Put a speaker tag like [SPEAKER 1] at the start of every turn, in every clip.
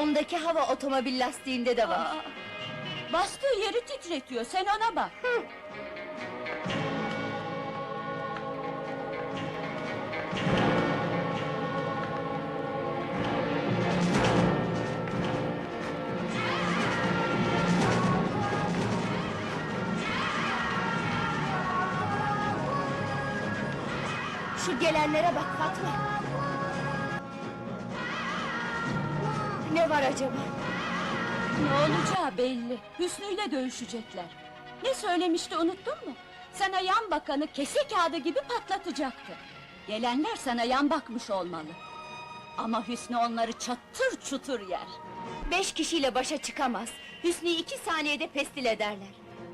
[SPEAKER 1] Ondaki hava otomobil lastiğinde de var.
[SPEAKER 2] Bastığı yeri titretiyor, sen ona bak!
[SPEAKER 1] Şu gelenlere bak Fatma! Ne var acaba?
[SPEAKER 2] Ne olacağı belli, Hüsnü'yle dövüşecekler. Ne söylemişti, unuttun mu? Sana yan bakanı kese kağıdı gibi patlatacaktı. Gelenler sana yan bakmış olmalı. Ama Hüsnü onları çatır çutur yer.
[SPEAKER 1] 5 kişiyle başa çıkamaz. Hüsnü'yü 2 saniyede pestil ederler.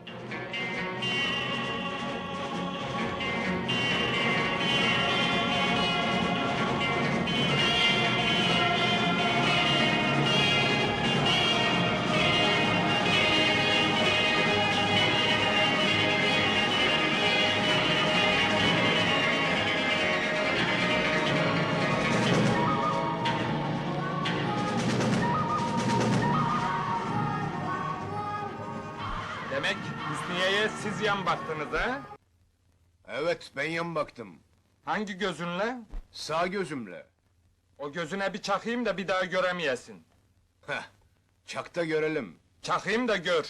[SPEAKER 3] Demek Hüsniye'ye siz yan baktınız ha?
[SPEAKER 4] Evet, ben yan baktım.
[SPEAKER 3] Hangi gözünle?
[SPEAKER 4] Sağ gözümle.
[SPEAKER 3] O gözüne bir çakayım da bir daha göremeyesin.
[SPEAKER 4] Heh, çakta görelim.
[SPEAKER 3] Çakayım da gör.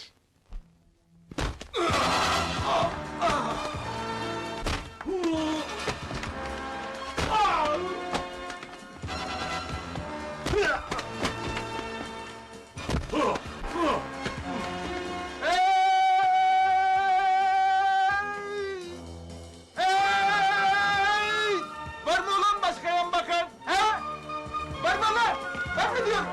[SPEAKER 3] Hey! Var mı ulan başka yan bakan? He? Var mı lan? Ben mi diyorum?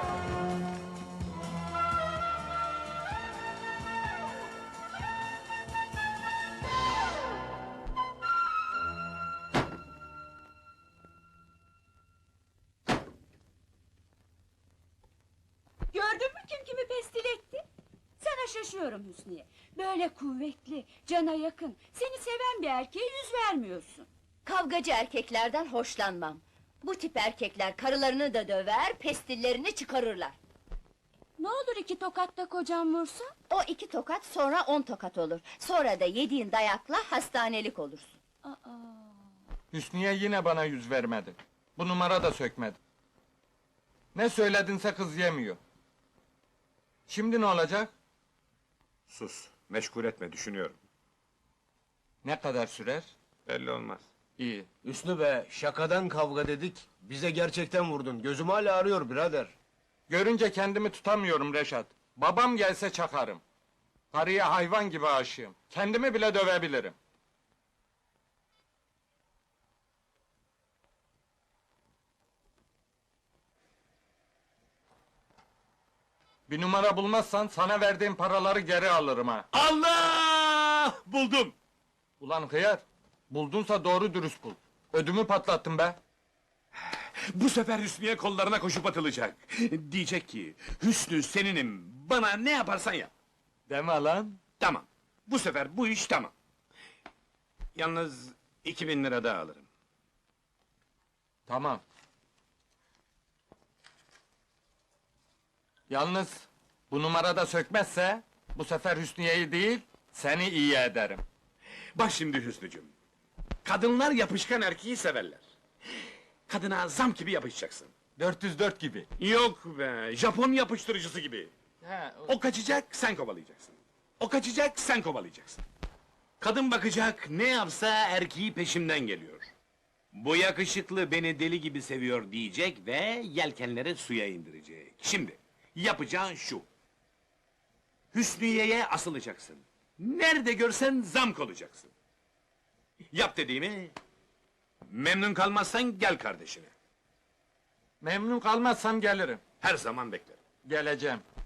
[SPEAKER 2] Gördün mü kim kimi pestil etti? Sana şaşıyorum Hüsniye. Böyle kuvvetli, cana yakın, seni seven bir erkeğe yüz vermiyorsun.
[SPEAKER 1] Kavgacı erkeklerden hoşlanmam. Bu tip erkekler karılarını da döver, pestillerini çıkarırlar.
[SPEAKER 2] Ne olur 2 tokatta kocam vursa?
[SPEAKER 1] O 2 tokat, sonra 10 tokat olur. Sonra da yediğin dayakla hastanelik olursun.
[SPEAKER 3] Hüsniye yine bana yüz vermedi. Bu numara da sökmedi. Ne söyledinse kız yemiyor. Şimdi ne olacak?
[SPEAKER 5] Sus, meşgul etme, düşünüyorum.
[SPEAKER 3] Ne kadar sürer?
[SPEAKER 5] Belli olmaz.
[SPEAKER 3] İyi.
[SPEAKER 6] Hüsnü be, şakadan kavga dedik. Bize gerçekten vurdun. Gözüm hala ağrıyor birader.
[SPEAKER 3] Görünce kendimi tutamıyorum Reşat. Babam gelse çakarım. Karıya hayvan gibi aşığım. Kendimi bile dövebilirim. Bir numara bulmazsan sana verdiğim paraları geri alırım ha.
[SPEAKER 5] Allah! Buldum!
[SPEAKER 3] Ulan hıyar, buldunsa doğru dürüst bul. Ödümü patlattın be.
[SPEAKER 5] Bu sefer Hüsnü'ye kollarına koşup atılacak. Diyecek ki, Hüsnü seninim, bana ne yaparsan yap.
[SPEAKER 3] Deme lan.
[SPEAKER 5] Tamam, bu sefer bu iş tamam. Yalnız 2000 lira daha alırım.
[SPEAKER 3] Tamam. Yalnız bu numarada sökmezse bu sefer Hüsniye'yi değil seni iyi ederim.
[SPEAKER 5] Bak şimdi Hüsnücüm, kadınlar yapışkan erkeği severler. Kadına zam gibi yapışacaksın.
[SPEAKER 3] 404 gibi.
[SPEAKER 5] Yok be, Japon yapıştırıcısı gibi.
[SPEAKER 3] He,
[SPEAKER 5] O kaçacak, sen kovalayacaksın. O kaçacak, sen kovalayacaksın. Kadın bakacak, ne yapsa erkeği peşimden geliyor. Bu yakışıklı beni deli gibi seviyor diyecek ve yelkenleri suya indirecek. Şimdi, yapacağın şu. Hüsniye'ye asılacaksın. Nerede görsen zamk olacaksın. Yap dediğimi. Memnun kalmazsan gel kardeşine.
[SPEAKER 3] memnun kalmazsam gelirim.
[SPEAKER 5] Her zaman beklerim.
[SPEAKER 3] Geleceğim.